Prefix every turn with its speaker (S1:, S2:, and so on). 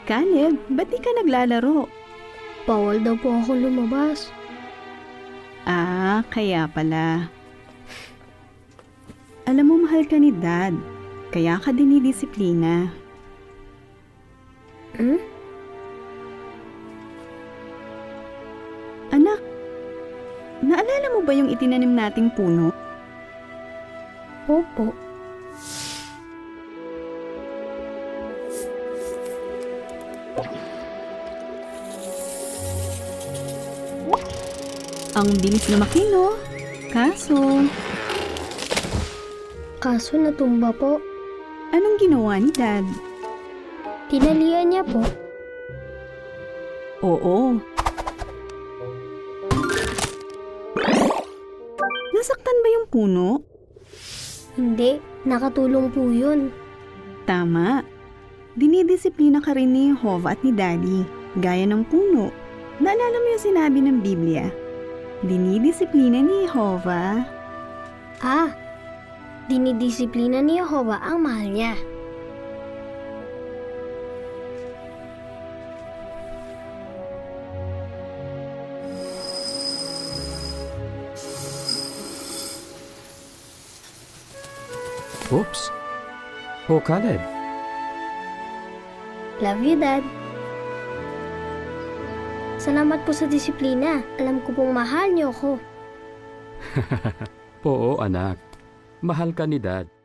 S1: Caleb, ba't di ka naglalaro?
S2: Bawal daw po ako lumabas.
S1: Ah, kaya pala. Alam mo, mahal ka ni Dad. Kaya ka dinidisiplina.
S2: Hmm?
S1: Anak, naalala mo ba yung itinanim nating puno?
S2: Opo.
S1: Ang bilis lumaki, no? Kaso,
S2: Kaso natumba po.
S1: anong ginawa ni Dad?
S2: Tinalian niya po.
S1: Oo. Nasaktan ba yung puno?
S2: Hindi, nakatulong po yun.
S1: Tama. Dinidisiplina ka rin ni Jehovah at ni Daddy, gaya ng puno. Naalala mo yung sinabi ng Biblia? Dinidisiplina ni Jehovah.
S2: Ah, dinidisiplina ni Jehovah ang mahal niya.
S3: Oops. Oh, Caleb.
S2: Love you, Dad. Salamat po sa disiplina. Alam ko pong mahal niyo ako.
S3: Oo, anak. Mahal ka ni Dad.